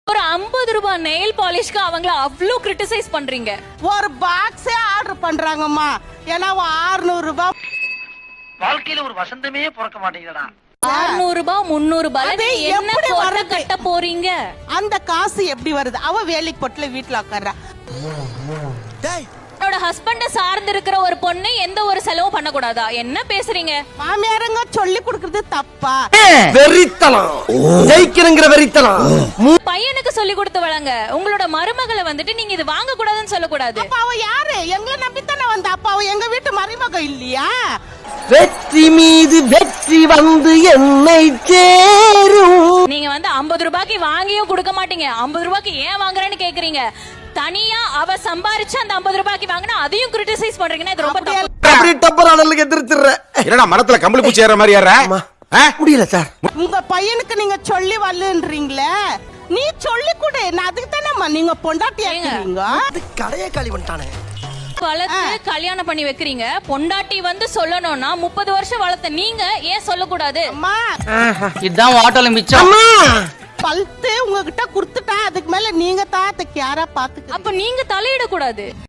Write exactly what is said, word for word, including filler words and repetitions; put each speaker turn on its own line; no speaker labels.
ஒரு ஐம்பது ரூபாய் நெயில் பாலிஷ்க்கு அவங்கள அவ்வளவு கிரிட்டிசைஸ் பண்றீங்க.
ஒரு பாக்ஸே ஆர்டர் பண்றாங்கம்மா. ஏன்னா அறுநூறு ரூபாய்.
வாழ்க்கையில ஒரு வசந்தமே பிறக்க மாட்டேங்குதுடா.
அறுநூறு ரூபாய் முன்னூறு ரூபாய் என்ன போட்டு கட்ட போறீங்க?
அந்த காசு எப்படி வருது? அவ வேலைக்கு போட்டுல வீட்டுல உட்கார்றா.
என்னோட ஹஸ்பண்ட சார்ந்து இருக்கிற ஒரு பொண்ணு எந்த ஒரு செலவும் பண்ண கூடாதா? என்ன பேசுறீங்க?
மாமியாருங்க சொல்லி கொடுக்கறது தப்பா?
வெறித்தனம் ஜெயிக்கிறங்கிற வெறித்தனம்.
பையனுக்கு சொல்லி கொடுத்து வளங்க. உங்களோட மருமகளை வந்துட்டு நீங்க இது வாங்க கூடாதுன்னு சொல்ல கூடாது.
அப்ப அவ யாரு? எங்களை நம்பித்தானே வந்தா. அப்ப அவ எங்க வீட்டு மருமக இல்லையா?
வெற்றி மீது வெற்றி வந்து என்னை சேரும்.
நீங்க வந்து ஐம்பது ரூபாய்க்கு வாங்கியும் கொடுக்க மாட்டீங்க. ஐம்பது ரூபாய்க்கு ஏன் வாங்குறேன்னு கேக்குறீங்க. தனியா அவ சம்பாரிச்சு அந்த ஐம்பது ரூபாய்க்கு வாங்கினா அதையும் கிரிட்டிசைஸ் பண்றீங்கன்னா இது ரொம்ப தப்பு.
அப்படி டப்பர் அனலுக்கு எதிர்த்துறேன்.
என்னடா மரத்துல கம்பளி பூச்சி ஏற மாதிரி ஏற?
முடியல சார்.
உங்க பையனுக்கு நீங்க சொல்லி வரலன்றீங்களே, நீ சொல்லி கொடு. நான் அதுக்கு தானே நீங்க பொண்டாட்டியா இருக்கீங்க.
கடையே காலி பண்ணிட்டானே.
வளர்த்து கல்யாணம் பண்ணி வைக்கிறீங்க. பொண்டாட்டி வந்து சொல்லணும்னா முப்பது வருஷம் வளர்த்த நீங்க ஏன் சொல்லக்கூடாது?
அம்மா
இதுதான் வாட்டோல மிச்சம்.
பல்த்து உங்ககிட்ட குடுத்துட்டேன். அதுக்கு மேல நீங்க தான் அதுக்கு யாரா பாத்துக்க.
அப்ப நீங்க தலையிட கூடாது.